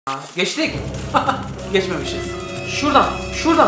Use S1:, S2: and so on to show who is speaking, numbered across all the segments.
S1: Geçtik. Geçmemişiz.
S2: Şuradan.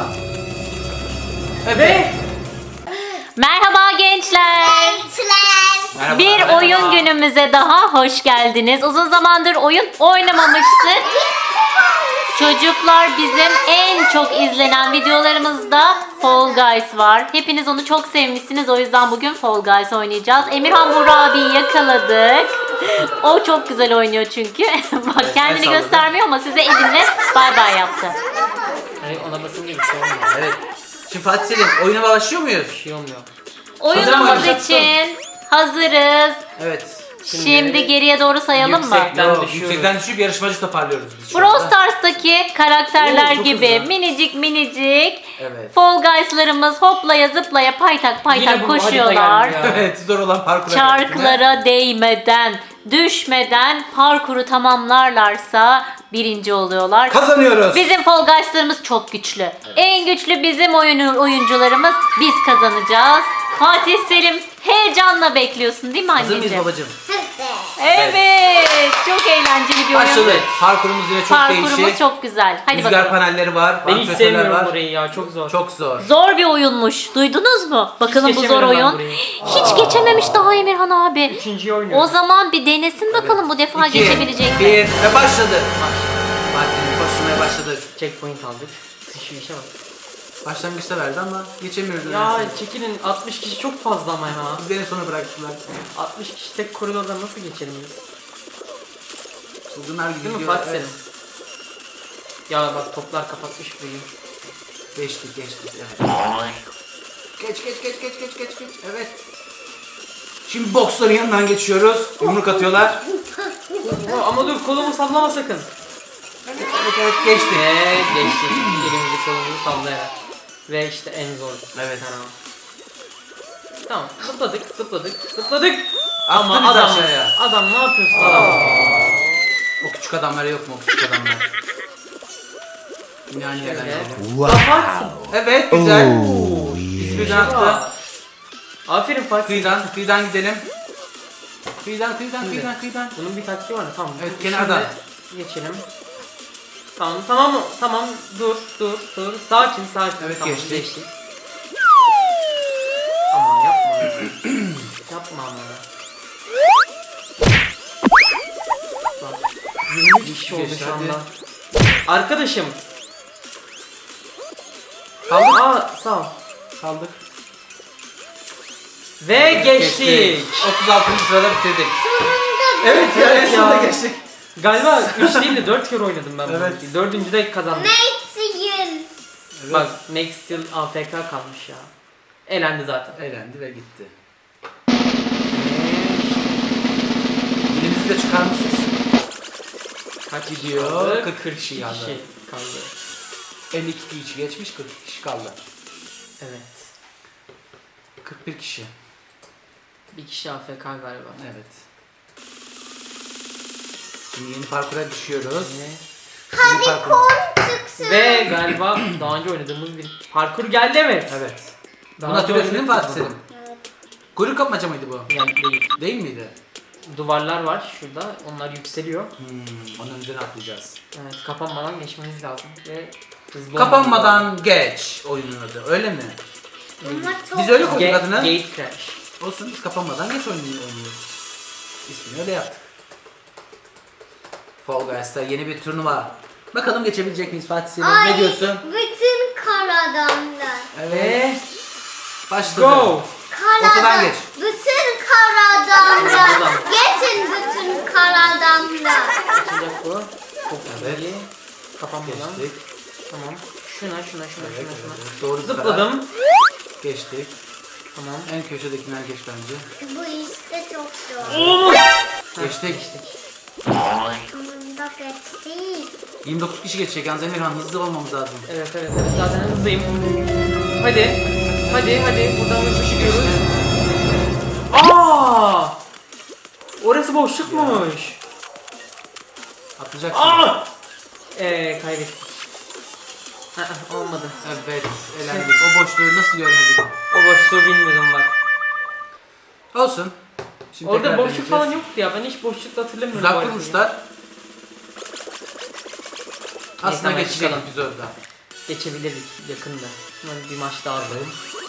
S1: Evet.
S3: Merhaba gençler.
S1: Merhaba.
S3: Bir
S1: Merhaba.
S3: oyun günümüze daha hoş geldiniz. Uzun zamandır oyun oynamamıştık. Çocuklar, bizim en çok izlenen videolarımızda Fall Guys var. Hepiniz onu çok sevmişsiniz. O yüzden bugün Fall Guys oynayacağız. Emirhan Burak abiyi yakaladık. O çok güzel oynuyor çünkü. Bak, kendini
S1: salladı.
S3: göstermiyor ama size elinle bay bay yaptı.
S2: Hayır, ona basınca bir şey olmuyor.
S1: Evet. Şimdi Fatih Selim, oyuna başlıyor muyuz?
S2: Bir şey olmuyor.
S3: Oyunumuz
S1: mıyız?
S3: için hazırız.
S1: Evet.
S3: Şimdi geriye doğru sayalım mı?
S2: Yüksekten
S1: Yo,
S2: düşüyoruz.
S1: yüksekten düşüp yarışmacı toparlıyoruz biz şu
S3: Brawl
S1: anda.
S3: Stars'taki karakterler
S1: Oo, çok
S3: gibi
S1: hızlı.
S3: minicik
S1: Evet.
S3: Fall Guys'larımız hoplaya zıplaya paytak
S2: Yine bu
S3: koşuyorlar.
S2: harita geldi ya.
S1: Evet, zor olan parkura
S3: Çarklara değmeden, düşmeden parkuru tamamlarlarsa birinci oluyorlar.
S1: kazanıyoruz.
S3: Bizim Fall Guys'larımız çok güçlü. En güçlü bizim oyuncularımız. Biz kazanacağız. Fatih Selim, heyecanla bekliyorsun değil mi
S1: Hazır mıyız
S3: anneciğim?
S1: babacığım?
S3: Evet. Çok eğlenceli bir oyun.
S1: Başladık. Parkurumuz yine çok
S3: Parkurumuz
S1: değişik.
S3: çok güzel. Hadi
S1: Rüzgar
S3: bakalım.
S1: panelleri var.
S2: Ben hiç
S1: vantilatörler
S2: sevmiyorum
S1: var.
S2: burayı ya, çok zor.
S1: Çok zor.
S3: Zor bir oyunmuş. Duydunuz mu? Bakalım bu zor
S2: geçemedim ben
S3: oyun.
S2: burayı.
S3: Hiç geçememiş daha Emirhan abi.
S2: Üçüncüyü
S3: O
S2: oynuyoruz.
S3: zaman bir denesin bakalım bu defa
S1: İki,
S3: geçebilecek
S1: bir
S3: mi?
S1: ve başladı. Fatih Selim koşmaya başladık.
S2: Checkpoint aldık. Şu işe bak.
S1: Başlangıçta verdi ama geçemiyoruz.
S2: Ya
S1: nedense.
S2: çekilin, 60 kişi çok fazla ama ya.
S1: Bizi en sona bıraktılar.
S2: 60 kişi tek koridorda nasıl geçelim biz?
S1: Çılgınlar gibi
S2: Değil mi
S1: gidiyor.
S2: Fatih Selim? Ya bak, toplar kapatmış burayı.
S1: Geçtik evet. Geç. Evet. Şimdi boksların yanından geçiyoruz. Yumruk atıyorlar.
S2: Ama dur, kolumu sallama sakın.
S1: Evet geçtik.
S2: Ve geçtik. Elimizi kolumuzu sallayarak. Ve işte en zor.
S1: Evet.
S2: Tamam, zıpladık.
S1: Attı
S2: Ama
S1: bizi
S2: adam,
S1: aşağıya.
S2: adam ne yapıyorsun adam?
S1: O küçük adamlar yok mu o küçük adamlar? Yine aynı yerden
S2: Şöyle.
S1: geliyor.
S2: Kapatsın.
S1: Evet güzel. Biz birden attı.
S2: Aferin Fatih.
S1: Kıyıdan gidelim. Kıyıdan.
S2: Bunun bir taktiği var. Tamam.
S1: Evet,
S2: Şimdi
S1: kenardan.
S2: geçelim. Tamam. Dur. Sakin.
S1: Evet,
S2: tamam,
S1: geçtik.
S2: Ama yapma. Yapma ama. Bak, 20 kişi oldu
S1: Geçti,
S2: şu
S1: hadi.
S2: anda. Arkadaşım.
S1: Kaldık.
S2: Sağ ol.
S1: Kaldık.
S2: Ve geçtik.
S1: 36. sırada bitirdik. Evet ya en
S2: ya.
S1: sonunda geçtik.
S2: Galiba 3 değil de 4 kere oynadım ben
S1: Evet.
S2: bunu. 4. de kazandım.
S1: Evet.
S2: Bak, next yıl AFK kalmış ya. Elendi zaten.
S1: Eğlendi ve gitti. Dilimizi de çıkarmışız.
S2: Kaç
S1: Gidiyor,
S2: kaldı?
S1: 40 kişi kaldı.
S2: kaldı.
S1: 52 kişi geçmiş, 40 kişi kaldı.
S2: Evet.
S1: 41 kişi.
S2: Bir kişi AFK galiba.
S1: Evet. Şimdi yeni parkura düşüyoruz.
S2: Ne?
S1: Yeni parkur.
S2: Ve galiba daha önce oynadığımız bir parkur geldi, evet.
S1: Evet.
S2: Daha
S1: Bunu hatırlıyorsun değil mi
S2: önce
S1: Fatih Selim? Kuyruk kapmaca mıydı bu?
S2: Yani değil.
S1: Değil miydi?
S2: Duvarlar var şurada. Onlar yükseliyor.
S1: Onun üzerine atlayacağız.
S2: Evet, kapanmadan geçmeniz lazım. Ve hızlı
S1: Kapanmadan geç oyunun adı. Öyle mi? Biz öyle koyduk adını.
S2: Gate Crash.
S1: Olsun, biz kapanmadan geç oynuyoruz. İsmini öyle yaptık. Fall Guys'ta yeni bir turnuva. Bakalım geçebilecek miyiz Fatih Selim? Ne diyorsun?
S4: Bütün kar adamlar.
S1: Evet.
S2: Ve
S1: Başladı.
S2: go!
S1: Ortadan geç.
S4: Bütün kar adamlar.
S2: Oradan.
S4: Geçin bütün kar adamlar.
S2: Açacak bu. Çok
S1: Evet.
S2: iyi. Kapanmadan.
S1: Geçtik.
S2: Tamam. Şuna.
S1: Evet. Doğru
S2: Zıpladım.
S1: Geçtik.
S2: Tamam.
S1: En köşedekiler geç bence.
S4: Bu işte çok zor.
S1: Geçtik.
S4: Sonunda geçtik.
S1: 29 kişi geçecek. Yalnız Emirhan hızlı olmamız lazım.
S2: Evet. Zaten hızlıyım. Hadi. Buradan hızlı çıkıyoruz. Aa! Orası boşlukmuş.
S1: Atlayacaksın.
S2: Kaybettik. Olmadı.
S1: Evet. Elendik. O boşluğu nasıl görmedik?
S2: O boşluğu bilmiyordum bak.
S1: Olsun. Şimdi
S2: Orada
S1: tekrar
S2: boşluk
S1: deneyeceğiz.
S2: falan yoktu ya. Ben hiç boşlukta hatırlamıyorum. bu
S1: Tuzak
S2: haritayı.
S1: kurmuşlar. Aslında
S2: hemen
S1: geçecek
S2: çıkalım.
S1: biz orada.
S2: Geçebilirdik yakında. Hemen bir maç daha alalım.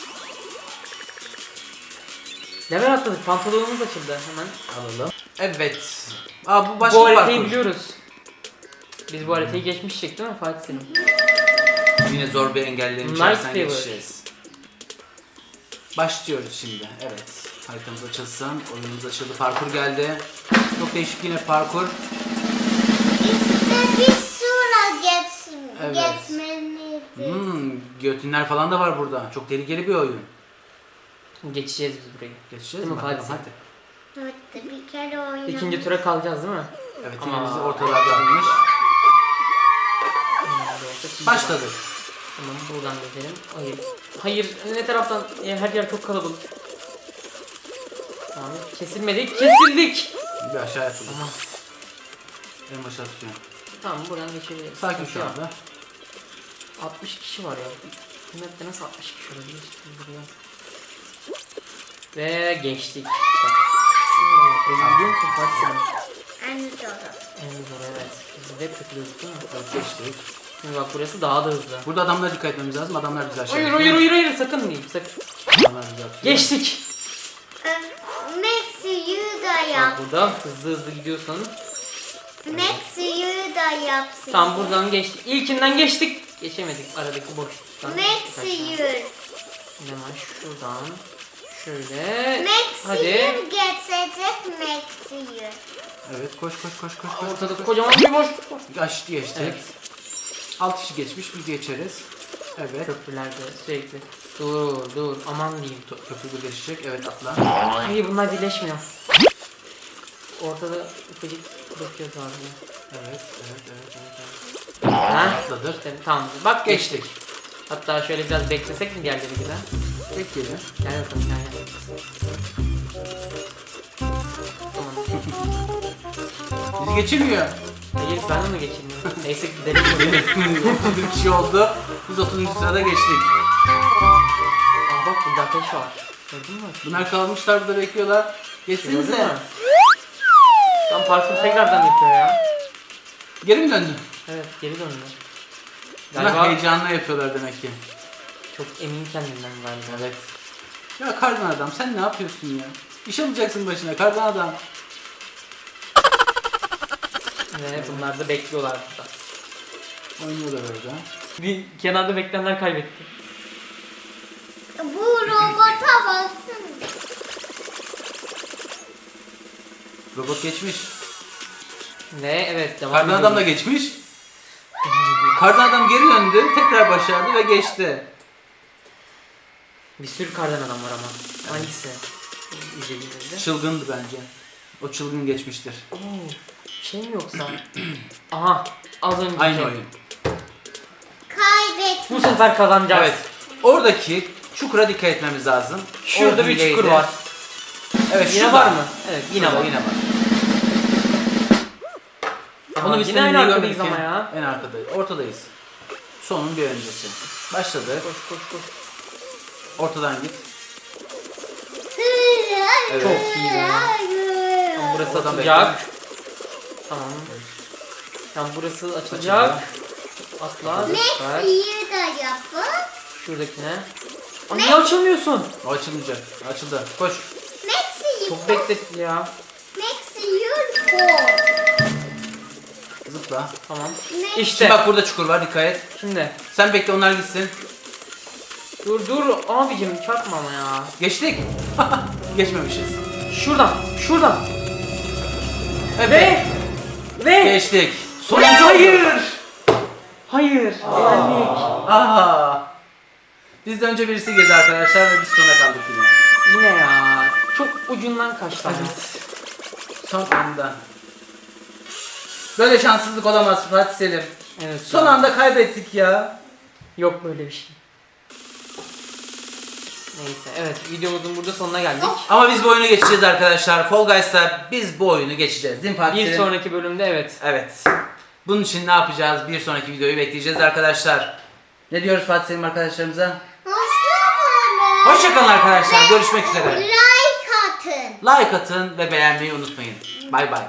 S2: Level atladık. Pantolonumuz açıldı hemen.
S1: Alalım. Evet. Bu başka
S2: Bu
S1: bir
S2: haritayı
S1: parkur.
S2: biliyoruz. Biz bu haritayı geçmiştik değil mi Fatih Selim?
S1: Yine zor bir engellerin
S2: Nice
S1: içerisinden
S2: favor.
S1: geçeceğiz. Başlıyoruz şimdi. Evet. Haritamız açılsın. Oyunumuz açıldı. Parkur geldi. Çok değişik yine parkur.
S4: İşte bir sura
S1: Evet.
S4: geçmeliyiz.
S1: Götünler falan da var burada. Çok tehlikeli bir oyun.
S2: Geçeceğiz biz burayı.
S1: Geçeceğiz
S2: Değil
S1: mi?
S2: mi Fatih?
S1: Hadi.
S4: Evet bir kere oynadım.
S2: İkinci tura kalacağız değil mi?
S1: Evet
S2: Ama-
S1: yine bizi ortalarda almış. Başladık.
S2: Tamam buradan gidelim. Hayır. Hayır ne taraftan? Her yer çok kalabalık. Tamam kesilmedik. Kesildik.
S1: Bir aşağı yapalım.
S2: Olmaz.
S1: En başa atıyorum.
S2: Tamam buradan geçebiliriz.
S1: Sakin
S2: Sıkıntı
S1: şu
S2: yok.
S1: anda.
S2: 60 kişi var ya. Bu map'te nasıl 60 kişi olabilir? Buraya. Ve geçtik. Bak. Biliyor musun Fatih Selim?
S4: En zoru.
S2: En zor evet. Biz de hep takılıyorduk değil mi?
S1: Evet, geçtik.
S2: Şimdi bak burası daha da hızlı.
S1: Burada adamlara dikkat etmemiz lazım. Adamlar bizi aşağı
S2: Hayır
S1: atıyor.
S2: hayır hayır hayır sakın değil sakın.
S1: Adamlar bizi atıyor.
S2: Geçtik.
S4: Max'ı da
S2: Bak
S4: yap.
S2: burada hızlı gidiyorsun.
S4: Max'ı da yapsın.
S2: Tam buradan geçtik. İlkinden geçtik. Geçemedik aradaki boşluktan.
S4: Max'ı
S2: Hemen şuradan. Şöyle.
S4: Max'ı
S2: Hadi.
S4: geçecek Max'ı.
S1: Evet koş.
S2: Ortada kocaman bir boşluk var.
S1: Geçtik.
S2: Evet.
S1: 6 kişi geçmiş biz geçeriz. Evet.
S2: Köprülerde sürekli. Dur aman diyeyim.
S1: Köprü birleşecek. Evet atla.
S2: Hayır bunlar birleşmiyor. Ortada ufacık bırakıyoruz ağzını.
S1: Evet.
S2: Ha?
S1: Atladık.
S2: İşte, tamam bak geçtik. Hatta şöyle biraz beklesek mi diğerleri gibi?
S1: Bekleyelim.
S2: Gel bakalım gel. Tamam.
S1: Bizi geçirmiyor.
S2: Hayır ben onu geçirmiyorum. Neyse gidelim buraya.
S1: 31 kişi oldu. Biz 30. sırada geçtik.
S2: Aa bak burada ateş var. Gördün mü?
S1: Bunlar kalmışlar burada bekliyorlar.
S2: Gördün
S1: Geçsinize.
S2: mü? Tam parkur tekrardan yapıyor ya.
S1: Geri mi döndün?
S2: Evet geri döndü.
S1: Bunlar
S2: Galiba
S1: heyecanla yapıyorlar demek ki.
S2: çok emin kendinden galiba.
S1: Evet. Ya kardan adam sen ne yapıyorsun ya? İş alacaksın başına kardan adam.
S2: Ve bunlar da bekliyorlar burada.
S1: Oynuyorlar orada.
S2: Bir kenarda bekleyenler kaybetti.
S4: Bu robota baksana.
S1: Robot geçmiş.
S2: Ve evet devam
S1: Kardan adam da
S2: ediyoruz.
S1: geçmiş. Kardan adam geri döndü. Tekrar başardı ve geçti.
S2: Bir sürü kardan adam var ama. Hangisi? İzlediğimizde.
S1: Çılgındı bence. O çılgın geçmiştir.
S2: Oo, şey mi yoksa? Aha az önce.
S1: Aynı oyun.
S4: Kaybet.
S2: Bu sefer kazanacağız.
S1: Evet. Oradaki çukura dikkat etmemiz lazım.
S2: Şurada
S1: O
S2: bir
S1: hileydi.
S2: çukur var.
S1: Evet
S2: Yine
S1: şurada.
S2: var mı? Evet yine var.
S1: Yine var.
S2: Aha,
S1: Onu biz
S2: yine aynı
S1: seninle
S2: arkadayız
S1: görmedik
S2: ama ya.
S1: En arkadayız. Ortadayız. Sonun bir öncesi. Başladı.
S2: Koş.
S1: Ortadan git. Evet.
S2: Çok iyi ya. Tamam, burası
S1: Oradan
S2: açılacak. Tamam. Tamam burası açılacak. Atla. Süper.
S4: Max'ı da yapın.
S2: Şuradakine. Aa, niye açılmıyorsun?
S1: O açılmayacak. Açıldı. Koş.
S4: Max'ı
S2: Çok bekletti ya.
S4: Max'ı koy.
S1: Zıpla.
S2: Tamam.
S4: Ne?
S2: İşte.
S1: Şimdi bak burada çukur var. Dikkat et.
S2: Şimdi.
S1: Sen bekle onlar gitsin.
S2: Dur abicim çarpma ama ya.
S1: Geçtik. Geçmemişiz.
S2: Şuradan.
S1: Evet.
S2: Ve
S1: Geçtik. Sonuncu
S2: hayır.
S1: oldu.
S2: Hayır. Elendik.
S1: Aha. Bizden önce birisi girdi arkadaşlar ve biz sona kaldık yine.
S2: Yine ya. Çok ucundan kaçtı. ama.
S1: Evet. Son anda. Böyle şanssızlık olamaz Fatih Selim.
S2: Evet.
S1: Son anda kaybettik ya.
S2: Yok böyle bir şey. Neyse evet videomuzun burada sonuna geldik.
S1: Ama biz bu oyunu geçeceğiz arkadaşlar. Fall Guys'ta biz bu oyunu geçeceğiz değil mi Fatih
S2: Bir
S1: Selim?
S2: sonraki bölümde evet.
S1: Evet. Bunun için ne yapacağız? Bir sonraki videoyu bekleyeceğiz arkadaşlar. Ne diyoruz Fatih Selim arkadaşlarımıza?
S4: Hoşçakalın.
S1: Hoşçakalın arkadaşlar. Görüşmek üzere.
S4: Like atın.
S1: Like atın ve beğenmeyi unutmayın. Bay bay.